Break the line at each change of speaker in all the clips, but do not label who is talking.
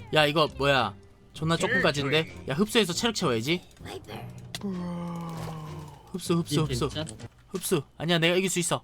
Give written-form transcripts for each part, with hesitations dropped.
야 이거 뭐야 존나 조금까지인데. 야 흡수해서 체력 채워야지. 흡수 흡수. 아니야 내가 이길 수 있어.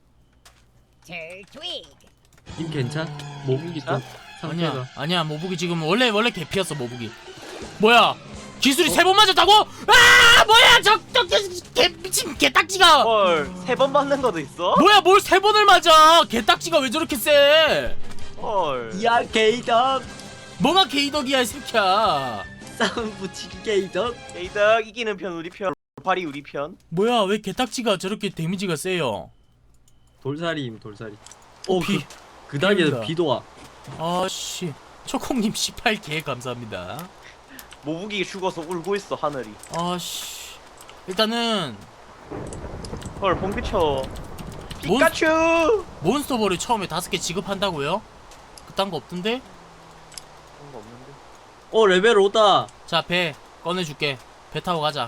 님 괜찮? 모국이 또 상태가.
아니야 모북이 지금 원래 개피였어 모북이. 뭐야 기술이 3번 맞았다고? 아 뭐야 저 개 미친 개딱지가.
헐, 3번 맞는 것도 있어?
뭐야 뭘 3번을 맞아. 개딱지가 왜 저렇게 세.
헐.
야 게이덕
뭐가 개이덕이야 이 새끼야.
싸움 붙이기 게이덕.
에이덕 이기는 편 우리 편, 발이 우리 편.
뭐야 왜 개딱지가 저렇게 데미지가 세요.
돌살이임 돌살이.
비.
그 단계에서
비온다.
비도 와.
아씨 초콩님 18개 감사합니다.
모북이 죽어서 울고 있어 하늘이.
아씨 일단은
헐, 봄비쳐. 피카츄!
몬스터볼을 처음에 5개 지급한다고요? 그딴 거 없던데?
그런 거 없는데.
레벨 5다.
자 배 꺼내줄게. 배 타고 가자.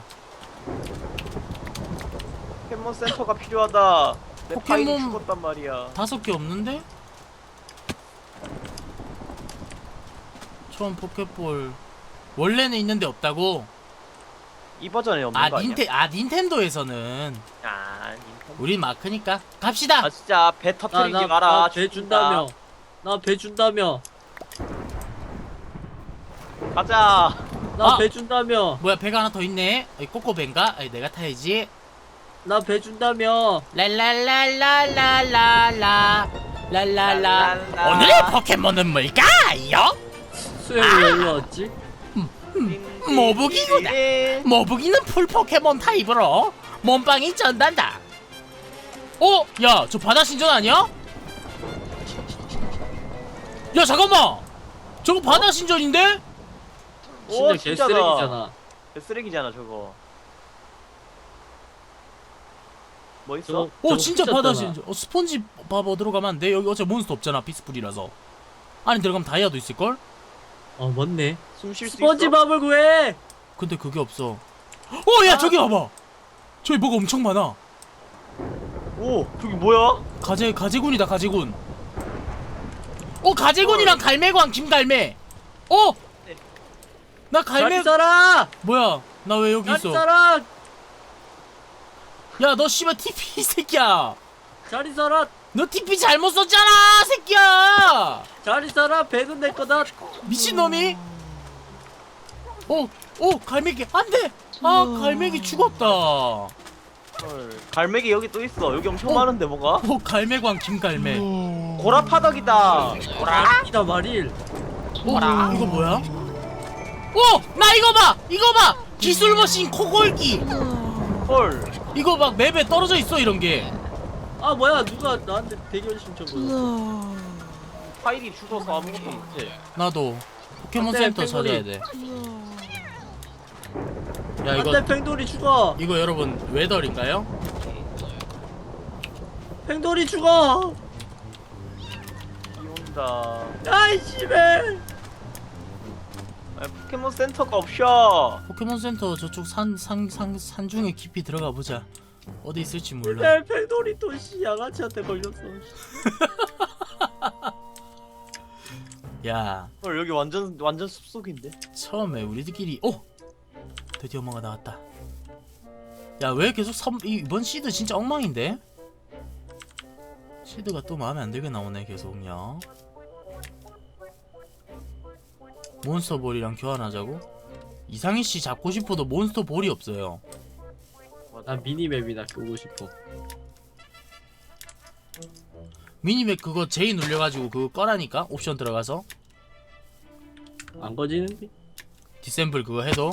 포켓몬 센터가 필요하다. 내 파일이
포켓몬-
죽었단 말이야.
5개 없는데? 처음 포켓볼 원래는 있는데 없다고?
이 버전에 없는 거 아니야?
닌텐도에서는
닌텐도.
우린 마크니까 갑시다.
아 진짜 배 터트리지 마라.
배 준다며. 나 배 준다며.
가자.
나
아!
배 준다며.
뭐야 배가 하나 더 있네. 꼬꼬배인가? 내가 타야지.
나 배 준다며.
랄랄랄랄랄랄라 랄랄라. 오늘의 포켓몬은 뭘까요?
수영이 왜 일로 왔지?
모북이구나. 모북이는 풀 포켓몬 타입으로 몸빵이 전단다. 야, 저 바다 신전 아니야? 야, 잠깐만. 저거 바다 신전인데?
진짜
진짜다.
개쓰레기잖아.
쓰레기잖아 저거. 뭐 있어?
저거
진짜
훔쳤잖아.
바다 신전. 스폰지 밥 얻으러 가면 안 돼? 여기 어차피 몬스터 없잖아. 피스풀이라서. 안에 들어가면 다이아도 있을걸?
맞네.
숨 쉴 수 있어?
스펀지밥을 구해.
근데 그게 없어. 야, 저기 봐봐. 저기 뭐가 엄청 많아.
오, 저기 뭐야?
가재군이다, 가재군. 가재군이랑 갈매광 김갈매. 나 갈매.
자리 써라.
뭐야? 나 왜 여기
자리
있어?
써라.
야, 너 씨발 TP 이 새끼야.
자리 써라.
너 TP 잘못 썼잖아, 새끼야.
자리 써라. 배는 내 거다.
미친놈이. 갈매기 안 돼. 갈매기 죽었다.
헐, 갈매기 여기 또 있어. 여기 엄청 많은데 뭐가?
갈매광 김갈매.
고라파덕이다.
이다 말일.
이거 뭐야? 나 이거 봐. 기술 머신 코골기.
헐.
이거 막 맵에 떨어져 있어 이런 게.
뭐야 누가 나한테 대결 신청 보냈어.
파일이 죽어서 아무것도 못해.
나도 포켓몬
안돼,
센터
펭귄이.
찾아야 돼. 야
안돼 팽돌이 죽어.
이거 여러분 웨덜인가요?
팽돌이 죽어.
비 온다.
야이 씨발.
포켓몬 센터가 없어.
포켓몬 센터 저쪽 산 중에 깊이 들어가 보자. 어디 있을지 몰라.
내 팽돌이 또 양아치한테 걸렸어.
야,
헐, 여기 완전 숲속인데.
처음에 우리들끼리 드디어 뭐가 나왔다. 야, 왜 계속 이번 시드 진짜 엉망인데? 시드가 또 마음에 안 들게 나오네 계속요. 몬스터볼이랑 교환하자고? 이상희 씨 잡고 싶어도 몬스터볼이 없어요.
나 미니맵이나 끄고 싶어.
미니맵 그거 J 눌려가지고 그거 꺼라니까? 옵션 들어가서
안 거지는데?
디셈블 그거 해도?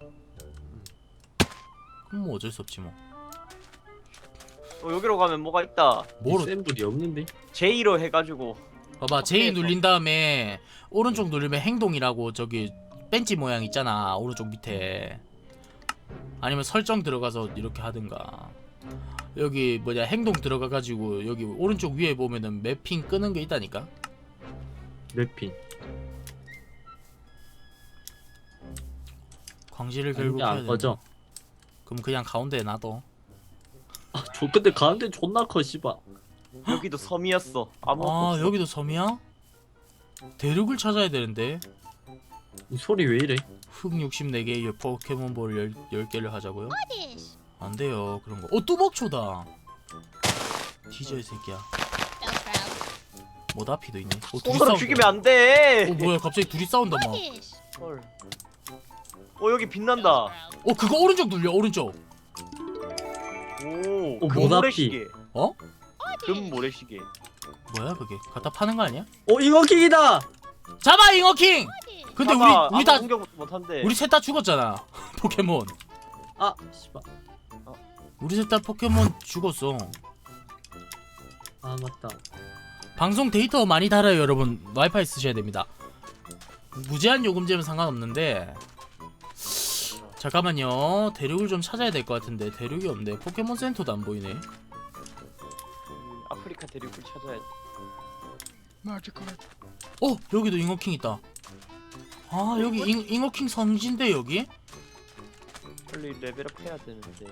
그럼 뭐 어쩔 수 없지 뭐.
여기로 가면 뭐가 있다.
뭐로?
샘플이 없는데?
J로 해가지고.
봐봐 J 눌린 다음에 오른쪽 누르면 행동이라고 저기 벤치 모양 있잖아 오른쪽 밑에. 아니면 설정 들어가서 이렇게 하든가. 여기 뭐냐 행동 들어가가지고 여기 오른쪽 위에 보면은 매핑 끄는 게 있다니까.
맵핑.
광질을 결국
아닌데
해야
안
된다.
꺼져.
그럼 그냥 가운데에 놔둬.
근데 가운데 존나 커 씨발.
여기도 섬이었어. 아무것도
아
없어.
여기도 섬이야? 대륙을 찾아야 되는데.
이 소리 왜 이래?
흙 64개의 포켓몬볼 10개를 하자고요? 안 돼요 그런 거. 뚜벅초다. 뒤져 이 새끼야. 모다피도 있네. 둘이
손으로
싸운다.
죽이면 안 돼.
뭐야 갑자기 둘이 싸운다 막.
헐. 여기 빛난다.
그거 오른쪽 눌려 오른쪽.
오,
모나피.
금모래시계.
어?
금모래시계.
뭐야 그게? 갖다 파는 거 아니야?
잉어킹이다.
잡아 잉어킹! 근데
봐봐,
우리 다
공격 못한대.
우리 셋 다 죽었잖아. 포켓몬.
아 씨발.
우리 셋 다 포켓몬 죽었어.
아 맞다.
방송 데이터 많이 달아요 여러분. 와이파이 쓰셔야 됩니다. 무제한 요금제면 상관없는데 잠깐만요. 대륙을 좀 찾아야 될 것 같은데 대륙이 없네. 포켓몬 센터도 안 보이네.
아프리카 대륙을 찾아야 돼.
여기도 잉어킹 있다. 아 여기 잉어킹 성지인데 여기?
빨리 레벨업 해야 되는데.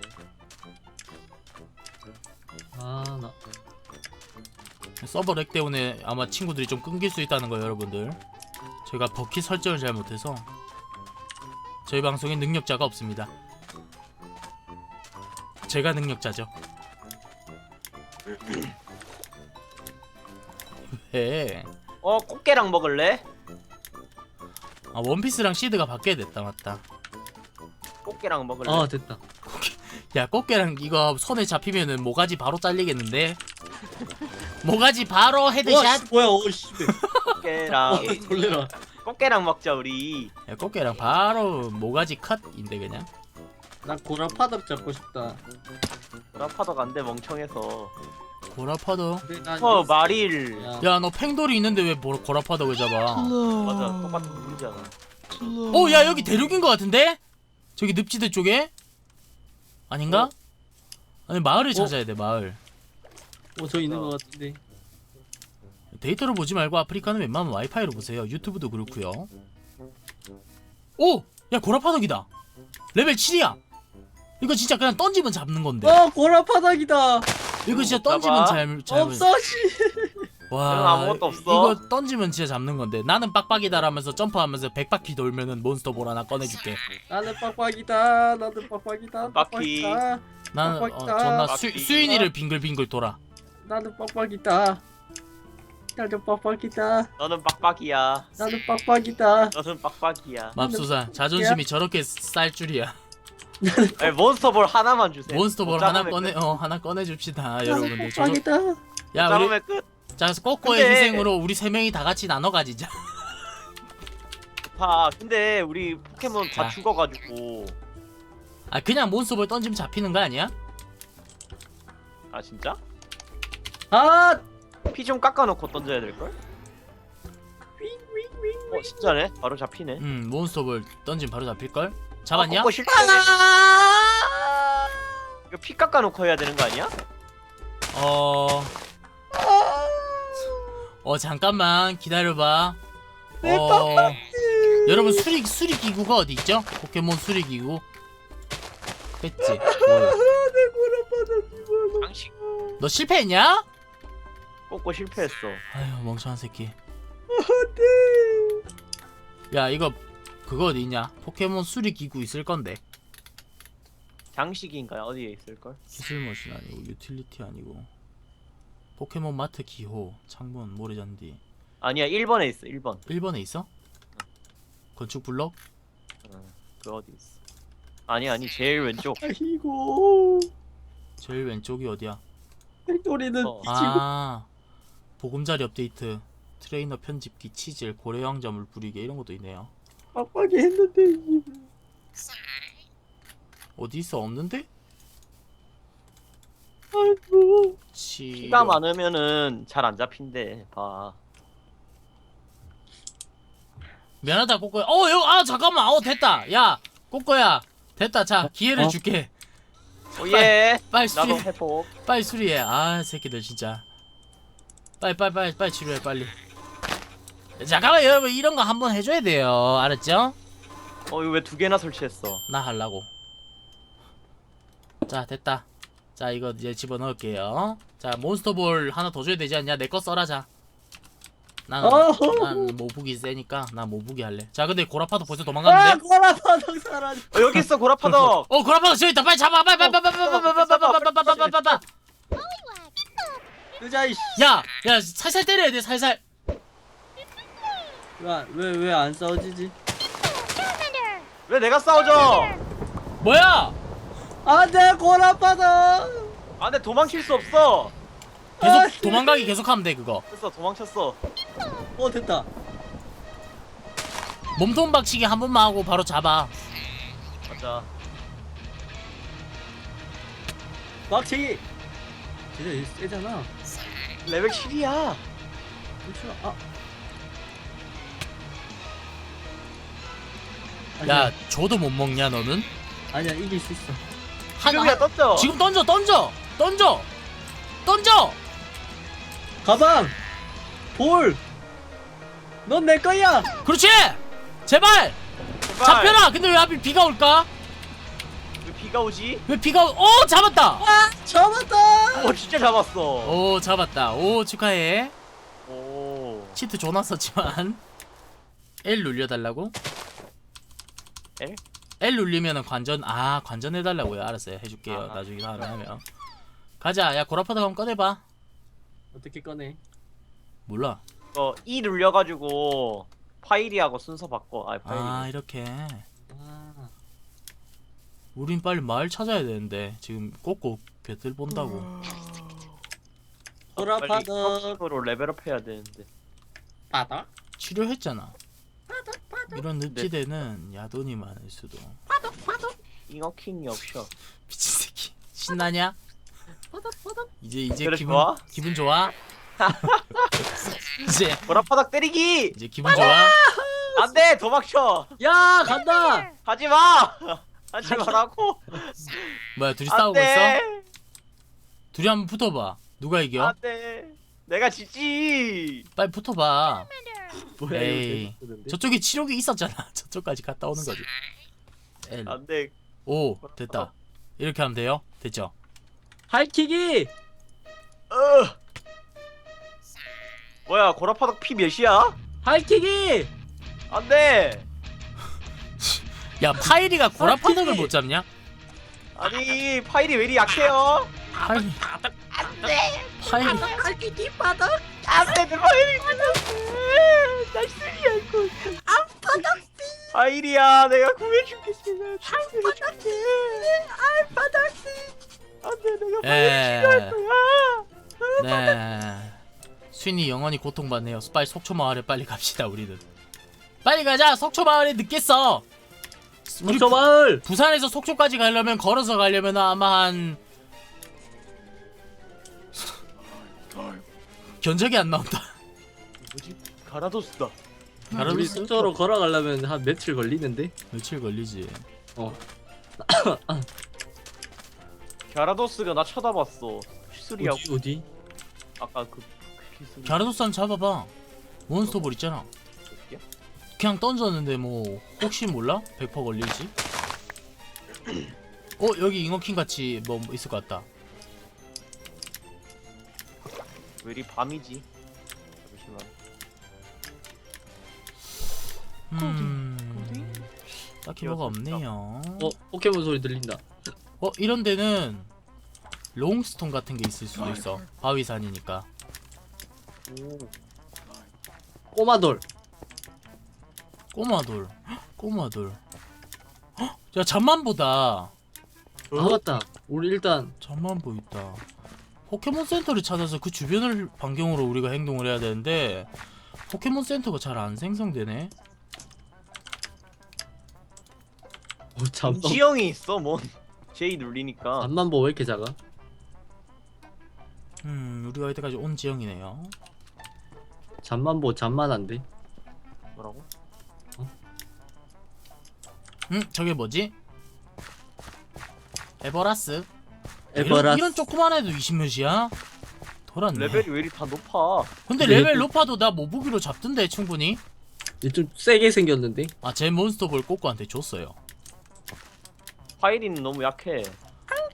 아 나.
서버 렉 때문에 아마 친구들이 좀 끊길 수 있다는 거예요 여러분들. 제가 버킷 설정을 잘 못해서 저희 방송에 능력자가 없습니다. 제가 능력자죠. 왜?
꽃게랑 먹을래?
아 원피스랑 시드가 바뀌어야 됐다 맞다.
꽃게랑 먹을래?
아 됐다.
야 꽃게랑 이거 손에 잡히면은 모가지 바로 잘리겠는데? 모가지 바로 헤드샷?
뭐야 씨발.
꽃게랑
놀래라.
꽃게랑 먹자 우리.
야 꽃게랑 바로 모가지 컷인데 그냥?
난 고라파덕 잡고 싶다.
라파덕 안돼 멍청해서.
고라파더.
근데 난
마릴.
야.
야 너 팽돌이 있는데 왜 고라파더를 잡아?
맞아 똑같은 물이잖아.
야 여기 대륙인 것 같은데? 저기 늪지대 쪽에? 아닌가? 아니 마을을 찾아야 돼 마을.
저 있는 것 같은데.
데이터를 보지 말고 아프리카는 웬만하면 와이파이로 보세요. 유튜브도 그렇고요. 야 고라파덕이다. 레벨 7이야. 이거 진짜 그냥 던지면 잡는 건데.
고라파덕이다.
이거 진짜
잡아.
던지면 잘
없어 씨.
와
저는 아무것도 없어.
이거 던지면 진짜 잡는 건데. 나는 빡빡이다라면서 점프하면서 100바퀴 돌면은 몬스터볼 하나 꺼내줄게.
나는 빡빡이다. 나도 빡빡이다.
바퀴.
빡빡이다.
나는
빡빡이다.
존나
바퀴.
수인이를 빙글빙글 돌아.
나는 빡빡이다. 나도 빡빡이다.
너는 빡빡이야.
나는 빡빡이다.
너는 빡빡이야.
맙소사 자존심이 저렇게 쌀 줄이야.
아니, 몬스터볼 하나만 주세요.
몬스터볼
못
하나
잡으면
꺼내 하나 꺼내줍시다
나는
여러분들.
빡빡이다.
야 우리
잡으면 끝.
자 꼬꼬의
근데-
희생으로 우리 세 명이 다 같이 나눠 가지자.
근데 우리 포켓몬 다
자.
죽어가지고.
아 그냥 몬스터볼 던지면 잡히는 거 아니야?
아 진짜?
아.
피 좀 깎아놓고 던져야 될걸? 진짜네? 바로 잡히네.
몬스터볼 던지면 바로 잡힐 걸? 잡았냐?
꼬꼬 실패. 이거 피 깎아놓고 해야 되는 거 아니야?
잠깐만 기다려봐. 여러분 수리 기구가 어디 있죠? 포켓몬 수리 기구 뺐지. 뭐야?
장식.
너 실패했냐?
꼬꼬 실패했어.
아휴 멍청한 새끼. 야 이거 그거 어디 있냐? 포켓몬 수리 기구 있을 건데.
장식인가요? 어디에 있을걸?
기술 머신 아니고 유틸리티 아니고 포켓몬 마트 기호 창문 모래잔디.
아니야 1번에 있어 1번.
1번에 있어? 건축 블록?
그 어디 있어? 아니 제일 왼쪽.
아이고.
제일 왼쪽이 어디야?
팩토리는
어.
아 보금자리 업데이트 트레이너 편집기 치질 고래왕자물 부리개 이런 것도 있네요.
빡빡이 했는데.
어디 있어? 없는데?
아이고.
피가 많으면은 잘 안 잡힌대. 봐.
미안하다 꼬꼬야. 잠깐만. 됐다. 야 꼬꼬야 됐다. 자 기회를 줄게.
오예.
빨리
나도
수리
회복.
빨리 수리해. 아 새끼들 진짜. 빨리 치료해 빨리. 잠깐만 여러분 이런 거 한번 해줘야 돼요. 알았죠?
이거 왜 2개나 설치했어?
나 하려고. 자 됐다. 자 이거 이제 집어넣을게요. 자 몬스터볼 하나 더 줘야 되지 않냐? 내 거 써라. 자 나는
어허.
난 모북이 세니까 나 모북이 할래. 자 근데 고라파도 벌써
아
도망갔는데?
고라파덕 사라져.
여기 있어 고라파덕.
고라파도 저기 있다. 빨리 잡아. 빨리.
의자 이씨.
야 살살 때려야 돼 살살.
왜왜 안 싸워지지?
왜 내가 싸워져?
뭐야?
안돼 고라파덕.
아, 근데 도망칠 수 없어.
계속 도망가기 계속하면 돼 그거.
됐어, 도망쳤어.
됐다.
몸통 박치기 한 번만 하고 바로 잡아.
맞아.
막치기. 진짜 얘 세잖아.
레벨 7이야.
그렇죠.
야 줘도 못 먹냐 너는?
아니야 이길 수 있어.
지금이야 떴죠?
지금 던져.
가방. 볼. 넌 내 거야.
그렇지. 제발
제발.
잡혀라. 근데 왜 하필 비가 올까?
왜 비가 오지?
왜 비가 오 잡았다.
잡았다.
오, 진짜 잡았어.
오 잡았다. 오 축하해.
오.
치트 존나 썼지만 L 눌려달라고?
L?
L 눌리면은 관전해달라고요. 알았어요. 해줄게요.
아하.
나중에 다음에 하면. 가자. 야 고라파도 한번 꺼내봐.
어떻게 꺼내?
몰라.
E 눌려가지고 파일이하고 순서 바꿔. 파일이.
이렇게.
아.
우린 빨리 마을 찾아야 되는데 지금 꼭꼭 괴들 본다고.
고라파덕.
으로 레벨업 해야 되는데.
바닥.
치료했잖아. 이런 늪지대는 야돈이 많을 수도.
잉어킹이 없어.
미친 새끼. 신나냐? 이제
그래,
기분 좋아? 이제
보라파닥 때리기.
이제 기분 좋아?
안돼, 도망쳐.
야 간다.
하지 마. 하지 마라고.
뭐야 둘이 싸우고 있어?
안돼.
둘이 한번 붙어봐. 누가 이겨?
안돼. 내가 지지.
빨리 붙어봐.
뭐야
에이.
이거 재밌었는데?
저쪽에 치료기 있었잖아. 저쪽까지 갔다 오는 거지. L.
안돼.
오 됐다. 이렇게 하면 돼요? 됐죠?
하이킥이.
뭐야, 고라파닥 피 몇이야?
하이킥이.
안돼.
야 파이리가 고라파덕을
파이리!
못 잡냐?
아니, 파일이 왜 이리 약해요?
파이리
안돼.
파이리
하이킥이 바닥.
안돼, 내 파일이 끝났어. 나 쓰리야 이거. 파일이야, 내가 구해줄게. 안돼, 내가 파일 필요할 거야.
네. 쉰이 영원히 고통받네요. 빨리 속초 마을에 빨리 갑시다 우리는. 빨리 가자. 속초 마을에 늦겠어. 우리
저 마을.
부산에서 속초까지 가려면 걸어서 가려면 아마 한 견적이 안 나온다.
뭐지? 가라도스다.
우리
가라도스?
속초로 걸어가려면 한 며칠 걸리는데.
며칠 걸리지.
가라도스가 나 쳐다봤어. 시술이야.
어디?
아까 그 시술.
갸라도산 잡아봐. 몬스터볼 있잖아. 그냥 던졌는데 뭐 혹시 몰라? 100% 걸릴지? 여기 잉어킹 같이 뭐 있을 것 같다.
왜 이리 밤이지? 잠시만.
딱히 뭐가 없네요.
포켓몬 소리 들린다.
이런 데는 롱스톤 같은 게 있을 수도 있어. 바위산이니까.
오.
꼬마돌.
꼬마돌. 꼬마돌. 야 잠만보다.
아 맞다. 우리 일단
잠만보 있다. 포켓몬 센터를 찾아서 그 주변을 반경으로 우리가 행동을 해야 되는데 포켓몬 센터가 잘 안 생성되네.
잠만.
지형이 있어, 뭔. J 눌리니까.
잠만 보 왜 이렇게 작아?
우리가 이때까지 온 지형이네요.
잠만 보 잠만한데.
뭐라고?
저게 뭐지? 에버라스.
에버라스.
이런 조그만 애도 20몇이야? 돌았네.
레벨이 왜 이리 다 높아?
근데
근데
레벨
얘도-
높아도 나 모부기로 잡던데 충분히.
얘 좀 세게 생겼는데.
제 몬스터볼 꼬꼬한테 줬어요.
파일이는 너무 약해.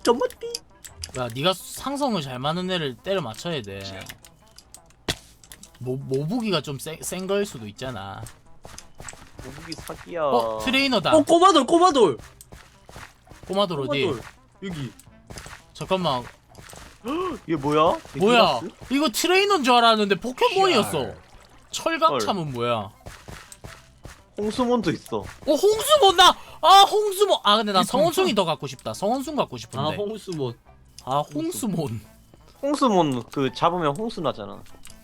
점머띠.
야 네가 상성을 잘 맞는 애를 때려 맞춰야 돼. 모부기가 좀 센 거일 수도 있잖아.
무기 사기야.
트레이너다.
꼬마돌 꼬마돌.
꼬마돌 어디?
꼬마돌. 여기.
잠깐만.
이게 뭐야?
뭐야?
데키라스?
이거 트레이너인 줄 알았는데 포켓몬이었어. 철강참은 뭐야?
홍수몬도 있어.
홍수몬 나! 아 홍수몬! 아 근데 나 성원숭이 더 갖고 싶다. 성원숭 갖고
아
싶은데.
홍수몬.
아 홍수몬.
홍수몬 그 잡으면 홍수 나잖아.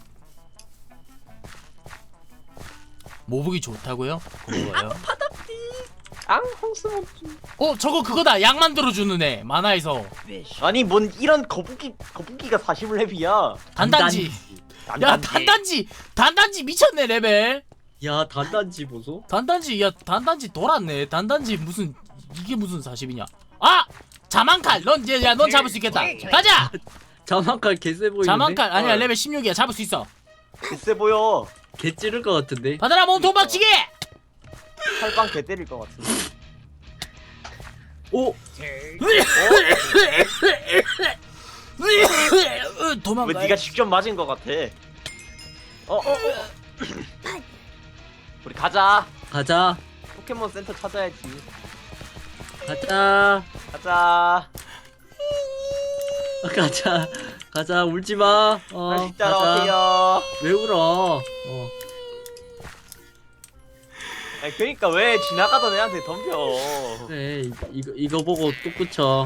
모북이 좋다고요? 고마워요.
앙 홍수몬.
저거 그거다. 약 만들어주는 애. 만화에서.
아니 뭔 이런 거북이가 40렙이야.
단단지. 야 단단지 미쳤네 레벨.
야 단단지 보소.
단단지 단단지 돌았네. 단단지 무슨 이게 무슨 40이냐? 아 자만칼. 넌 잡을 수 있겠다. 가자.
자만칼 개쎄 보이는데.
자만칼 아니야 레벨 16이야. 잡을 수 있어.
세 보여.
개 찌를 것 같은데.
받아라 몸통 박치기.
칼빵 개 때릴 것 같은데.
오.
도망가.
왜 네가 직접 맞은 것 같아? 우리 가자.
가자.
포켓몬 센터 찾아야지.
가자.
가자.
가자. 가자. 울지 마.
다시
가자.
따라오세요.
왜 울어?
아니 그러니까 왜 지나가던 애한테 덤벼?
그래. 이거 보고 또 붙여.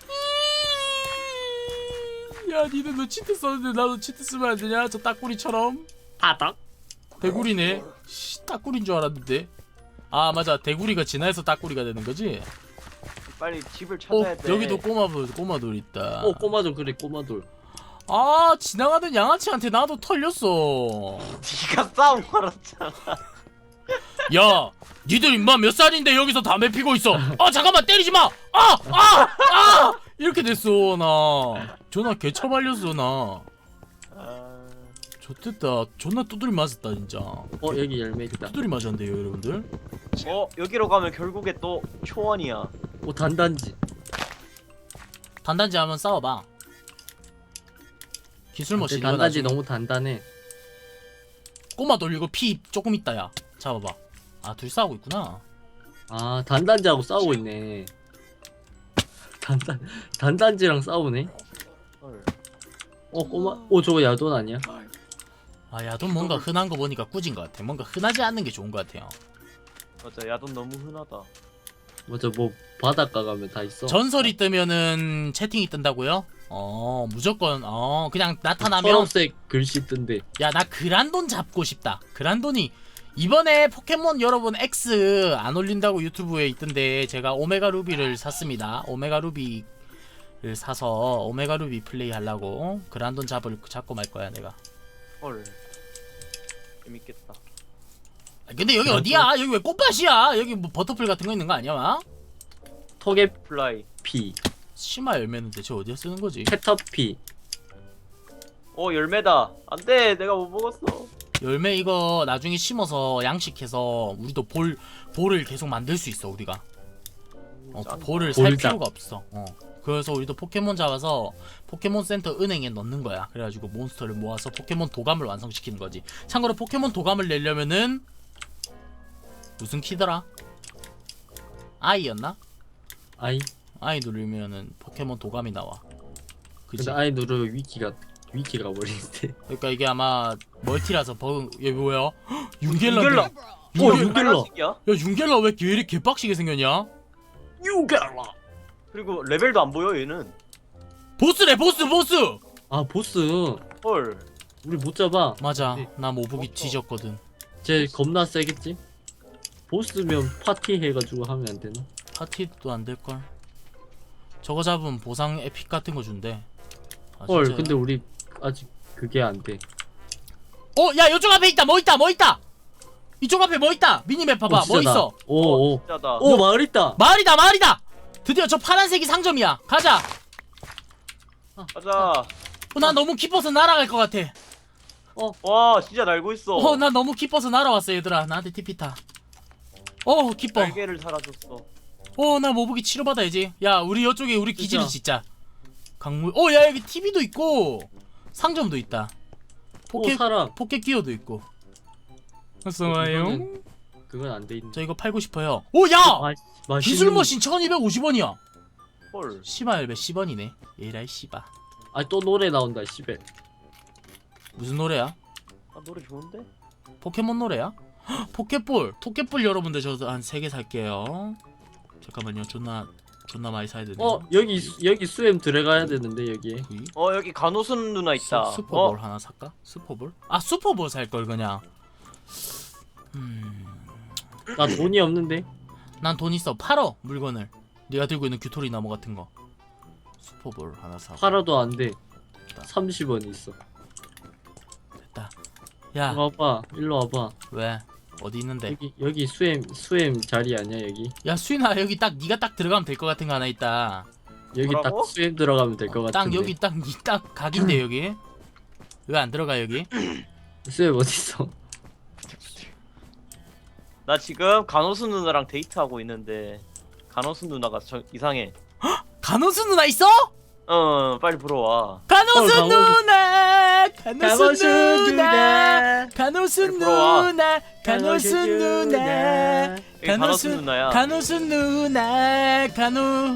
야 니네 너 치트 썼는데 나도 치트 쓰면 안 되냐? 저 따꾸리처럼.
바닥.
대구리네. 따꾸리인 줄 알았는데. 아 맞아 대구리가 진화해서 따꾸리가 되는 거지?
빨리 집을 찾아야 돼.
여기도 꼬마돌 있다.
꼬마돌 그래 꼬마돌.
아 지나가던 양아치한테 나도 털렸어.
네가 싸움 걸었잖아.
야 니들 임마 몇 살인데 여기서 담배 피고 있어. 잠깐만 때리지 마. 아 이렇게 됐어 나. 존나 개처발렸어 나. 좋됐다. 존나 두드리 맞았다 진짜.
여기 열매 있다.
두드리 맞았는데요 여러분들.
여기로 가면 결국에 또 초원이야.
오 단단지.
단단지 한번 싸워봐. 기술
근데
머신
단단지 너무 단단해.
꼬마돌 이거 피 조금 있다 야. 잡아봐. 둘 싸우고 있구나.
아 단단지하고 싸우고 있네. 단단지랑 싸우네.
헐.
저거 야돈 아니야?
야돈 뭔가 흔한 거 보니까 꾸진 것 같아. 뭔가 흔하지 않는 게 좋은 것 같아요.
맞아 야돈 너무 흔하다.
맞아 뭐 바닷가 가면 다 있어.
전설이 뜨면은 채팅이 뜬다고요? 무조건 그냥 나타나면
초록색 글씨 뜬데.
야 나 그란돈 잡고 싶다. 그란돈이 이번에 포켓몬 여러분 X 안 올린다고 유튜브에 있던데 제가 오메가 루비를 샀습니다. 오메가 루비를 사서 오메가 루비 플레이 하려고 그란돈 잡고 말 거야 내가.
헐. 재밌겠다.
근데 여기 어디야? 여기 왜 꽃밭이야? 여기 뭐 버터풀 같은 거 있는 거 아니야? 마?
플라이.
토게피,
치마 열매는 대체 어디에 쓰는 거지?
캐터피.
열매다. 안돼 내가 못 먹었어.
열매 이거 나중에 심어서 양식해서 우리도 볼을 계속 만들 수 있어 우리가. 볼을 살
볼작.
필요가 없어. 그래서 우리도 포켓몬 잡아서 포켓몬 센터 은행에 넣는 거야. 그래가지고 몬스터를 모아서 포켓몬 도감을 완성시키는 거지. 참고로 포켓몬 도감을 내려면은 무슨 키더라? I였나? I 누르면은 포켓몬 도감이 나와. 그치?
근데 아이 누르 위키가 버리는데.
그러니까 이게 아마 멀티라서 버그. 얘 뭐야? 윤겔라.
윤겔라.
윤겔라.
빨간색이야?
야 윤겔라 왜 이렇게 개빡시게 생겼냐?
유갈라.
그리고 레벨도 안 보여 얘는.
보스래 보스.
아 보스.
헐.
우리 못 잡아.
맞아.
네.
나 모북이
없어.
뒤졌거든.
쟤 겁나 세겠지? 보스면 파티 해가지고 하면 안 되나?
파티도 안 될걸. 저거 잡으면 보상 에픽 같은 거 준대.
헐
진짜야?
근데 우리 아직 그게 안 돼.
야 이쪽 앞에 있다. 뭐 있다. 이쪽 앞에 뭐 있다. 미니맵 봐봐. 뭐 있어?
오오.
진짜다.
오 마을 있다.
마을이다. 드디어 저 파란색이 상점이야. 가자.
가자.
나 너무 기뻐서 날아갈 것 같아.
와 진짜 날고 있어.
나 너무 기뻐서 날아왔어 얘들아. 나한테 TP 타. 기뻐.
날개를 달아줬어.
나 모북이 치료받아야지. 야 우리 이쪽에 우리 기지를
진짜.
짓자. 강물. 야 여기 TV도 있고 상점도 있다. 포켓
사람.
포켓 기어도 있고. 어서와요.
그건 안 돼 있는.
저 이거 팔고 싶어요. 오 야! 기술 머신 1250원이야.
헐.
씨발 몇 10원이네. 에라이 씨바.
아또 노래 나온다 씨발.
무슨 노래야?
아 노래 좋은데?
포켓몬 노래야? 헉, 포켓볼 여러분들 저 한 3개 살게요. 잠깐만요. 존나 많이 사야 되네.
여기 수엠 들어가야 되는데 여기에.
여기 간호순 누나 있다.
슈퍼볼 하나 살까? 슈퍼볼? 아 슈퍼볼 살 걸 그냥.
나 돈이 없는데.
난 돈 있어. 팔어 물건을. 네가 들고 있는 규토리 나무 같은 거. 슈퍼볼 하나 사.
팔아도 안 돼. 30원 있어.
됐다. 야
와봐. 일로 와봐.
왜? 어디 있는데?
여기 수엠 자리 아니야 여기?
야 수인아 여기 딱 네가 딱 들어가면 될 것 같은 거 하나 있다.
여기
뭐라고?
딱 수엠 들어가면 될 것
딱
같은데.
여기 딱 각인데 여기. 왜 안 들어가 여기?
수엠 어디 있어?
나 지금 간호순 누나랑 데이트하고 있는데 간호순 누나가 이상해.
간호수 누나 있어?
빨리 불어와.
간호수
간호수.
누나, 간호수
간호수
누나, 간호수
빨리 불어와.
누나, 간호수 누나,
여기 간호순 누나야.
간호수 누나, 간호.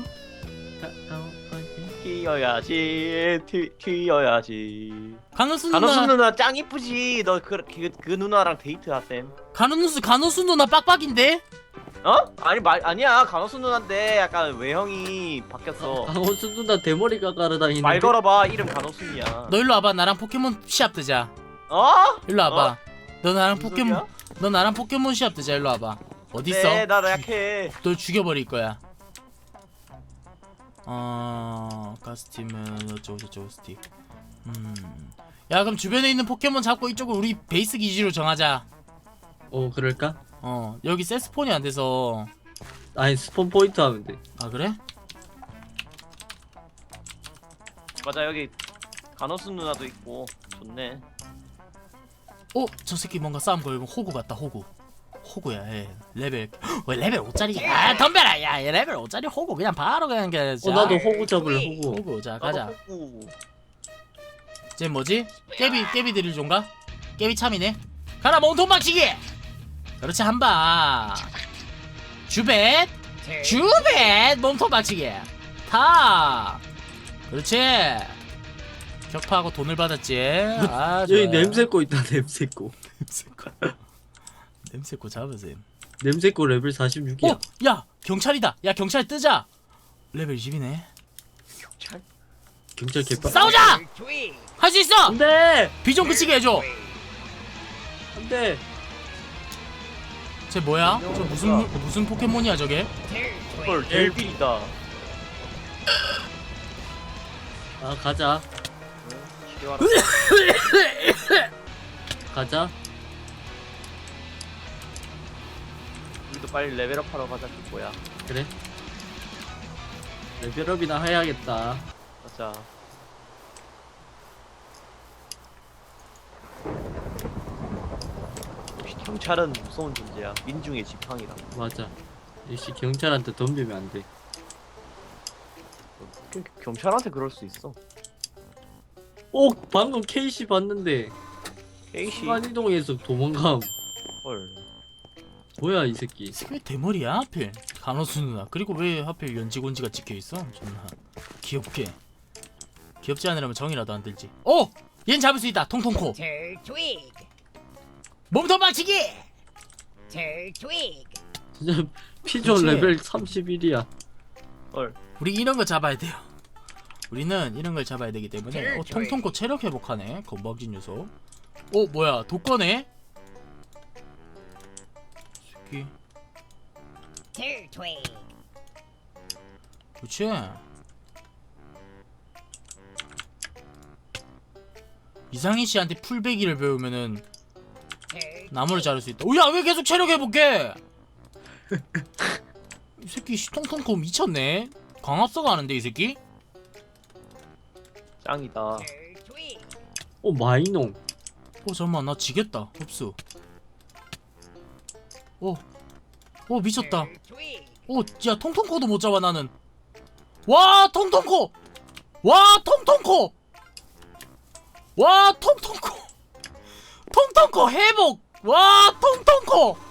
튀어야지, 튀어야지.
간호수
간호순
누나,
누나 짱 이쁘지. 너 그 누나랑 데이트하셈.
간호수 누나 빡빡인데?
아니 아니야. 간호순 누나인데 약간 외형이 바뀌었어.
강호수 누나 대머리 깎아러 다니는데.
말 걸어봐. 이름 간호순이야.
너 일로 와봐. 나랑 포켓몬 시합 뜨자. 일로 와봐. 너 나랑
무슨
포켓몬,
소리야?
너 나랑 포켓몬 시합 뜨자. 일로 와봐. 어디 있어?
네, 나 약해.
널 죽여버릴 거야. 가스팀은 어쩌고 스틱. 야 그럼 주변에 있는 포켓몬 잡고 이쪽을 우리 베이스 기지로 정하자.
그럴까?
여기 세스폰이 안 돼서.
아니 스폰 포인트 하면 돼.
아 그래?
맞아, 여기 간호순 누나도 있고 좋네.
저 새끼 뭔가 싸움 걸고 호구 같다. 호구야. 얘 레벨 왜 레벨 5짜리? 아 덤벼라. 야 얘 레벨 5짜리 호구 그냥 바로 그냥
나도 호구 잡을래 호구.
호구. 자 가자.
오.
쟤 뭐지? 깨비 드릴 존가? 깨비 참이네. 가라 몸통 박치기. 그렇지 한방. 주벳 몸통 박치기. 타. 그렇지. 격파하고 돈을 받았지. 아
여기
좋아요.
냄새코 있다 냄새코.
냄새코 잡으세요.
냄새코 레벨 46이야.
야 경찰이다. 야 경찰 뜨자. 레벨 20이네.
경찰 개빡.
싸우자. 할 수 있어.
안돼.
비좀 그치게 해줘.
안돼.
쟤 뭐야? 저 무슨 포켓몬이야 저게?
헐, 델빌이다.
아 가자. 가자.
우리도 빨리 레벨업하러 가자. 뭐야?
그래. 레벨업이나 해야겠다.
맞아. 역시 경찰은 무서운 존재야. 민중의 지팡이다.
맞아. 역시 경찰한테 덤비면 안 돼.
경찰한테 그럴 수 있어.
방금 케이시 봤는데
케이시.
순간이동해서 도망감.
헐.
뭐야 이 새끼.
왜 대머리야 하필? 간호수 누나. 그리고 왜 하필 연지곤지가 찍혀있어? 존나 귀엽게. 귀엽지 않으려면 정이라도 안 들지. 얜 잡을 수 있다. 통통코. 몸통 박치기.
진짜 피존
그치?
레벨 31이야.
헐.
우리 이런 거 잡아야 돼요. 우리는 이런 걸 잡아야 되기 때문에. 통통코 체력 회복하네. 건방진 녀석. 뭐야 독거네? 새끼. 그렇지. 이상희 씨한테 풀베기를 배우면은 나무를 자를 수 있다. 야 왜 계속 체력 회복해? 이 새끼 통통코 미쳤네. 광합성 하는데 이 새끼?
짱이다.
마이농.
잠깐만 나 지겠다. 흡수. 미쳤다. 야 통통코도 못 잡아 나는. 와 통통코. 와 통통코. 통통코 회복. 와 통통코.